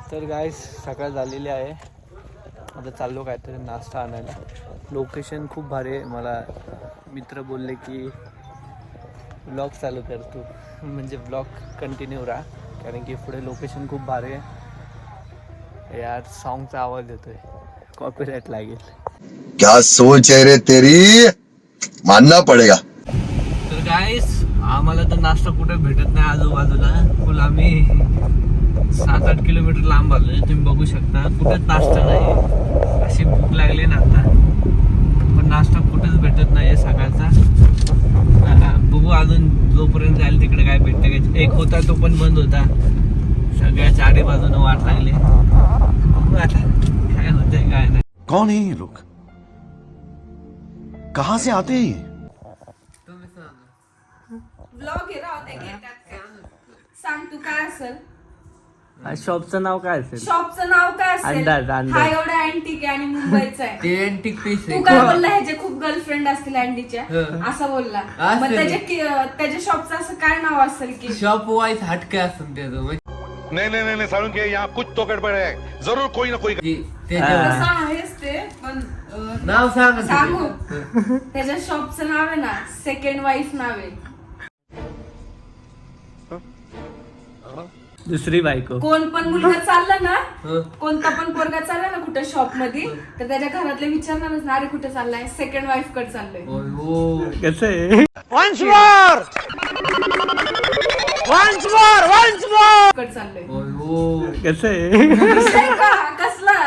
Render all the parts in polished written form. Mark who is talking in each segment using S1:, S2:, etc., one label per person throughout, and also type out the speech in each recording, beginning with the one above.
S1: तर गाईस सकाळ झालेली आहे. आता चाललो काहीतरी नाश्ता आणायला. लोकेशन खूप भारी आहे. मला मित्र बोलले की ब्लॉग चालू कर तू, म्हणजे ब्लॉग कंटिन्यू राहा, कारण की पुढे लोकेशन खूप भारी आहे. यार सॉन्गचा आवाज येतोय, कॉपीराइट लागेल.
S2: क्या सोच है रे तेरी, मानना पडेगा.
S1: तर गाईस आम्हाला तर नाश्ता कुठे भेटत नाही आजूबाजूला. फुल आम्ही 7-8 किलोमीटर लांब आलोय. तुम्ही बघू शकता कुठेच नाश्ता नाही. अशी भूक लागली ना आता, पण नाश्ता कुठेच भेटत नाही आहे सकाळचा. बघू अजून जोपर्यंत जाईल तिकडे काय भेटतं काय. एक होता तो पण बंद होता. सगळ्या चारी बाजूने वाट लागली. बघू आता काय होतंय काय नाही.
S3: कौन है ये लोग, कहां से आते हैं ये?
S4: व्लॉग आहे राव, ते घेतात का? सांग तू काय असेल
S1: शॉपचं नाव काय असेल?
S4: शॉपचं नाव काय असेल?
S1: अंदाज.
S4: हा एवढा अँटिक आहे आणि मुंबईचा आहे.
S5: ते अँटिक पीस
S4: तू
S5: आहे.
S4: काय बोलला ह्याचे खूप गर्लफ्रेंड असतील अँडीच्या, असं बोलला. मग त्याच्या शॉपचं असं काय नाव असेल की?
S5: शॉप वाईज हटके असून त्याचं म्हणजे
S6: नहीं सारुण के यहाँ कुछ तो गड़बड़ है, जरूर कोई ना कोई.
S5: त्याच्यावर
S4: तसं आहेच ते, पण
S5: नाव सांग
S4: सांगू त्याच्या शॉपचं नाव आहे ना सेकंड वाईफ नाव आहे.
S1: दुसरी बायको.
S4: कोण पण मुलगा चालला ना, कोणता पण पोरगा चालला ना कुठे शॉप मध्ये, तर त्याच्या घरातले विचारणारच ना, अरे कुठे चाललाय? सेकंड वाईफ कडे चाललोय.
S5: हो
S1: कसं आहे?
S4: कडे चाललोय.
S5: हो
S1: कसं आहे?
S4: विषय का? कसला?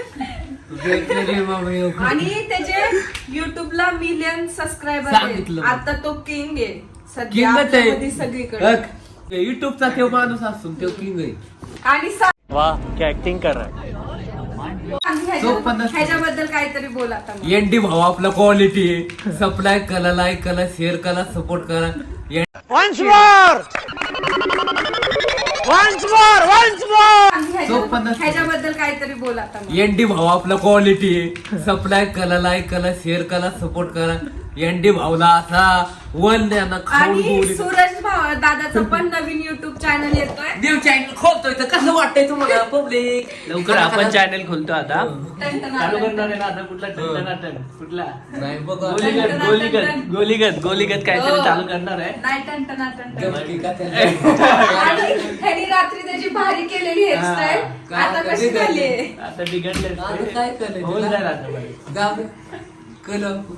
S5: बाबा
S4: आणि त्याचे युट्यूबला मिलियन सबस्क्रायबर
S5: सांगितलं.
S4: आहेत. आता तो किंग आहे सध्या
S5: किंगच आहे.
S4: आपल्यामध्ये सगळीकडे.
S5: युट्यूबचा तो माणूस असून तो किंग आहे.
S4: आणि
S1: वाह क्या ऍक्टिंग कर रहा है.
S4: ह्याच्याबद्दल काहीतरी बोल आता मग.
S5: एनडी भाऊ आपला क्वालिटी आहे. सप्लाय करा, लाईक करा, शेअर करा, सपोर्ट करा.
S4: ह्याच्याबद्दल काहीतरी बोल आता मग.
S5: एनडी भाऊ आपला क्वालिटी आहे. सप्लाय करा, लाईक करा, शेअर करा, सपोर्ट करा. एनडी भाऊला असा वन द्या खाऊन
S4: आणि
S5: गोळी.
S4: सूरज दादाचं पण नवीन युट्यूब चॅनल येतोय.
S5: देव चॅनल खोलतोय तर कसं वाटतंय तुम्हाला पब्लिक?
S1: लवकर आपण चॅनल खोलतो आता.
S4: टन-टन
S1: चालू
S4: टन-टन.
S1: करणार आहे ना आता. कुठला टन कुठला
S5: नाही बघा
S1: गोलीगत काहीतरी चालू करणार आहे.
S4: नाही टन-टन.
S5: गमती का त्याला?
S4: आणि ह्यानी रात्री त्याची भारी केलेली हेअरस्टाईल
S5: काय
S4: आता कशी
S5: कधी
S4: झाली?
S1: आता बिघडले.
S5: आता काय करायचं?
S1: होऊन जाईल आता.
S5: जाऊ दे. कल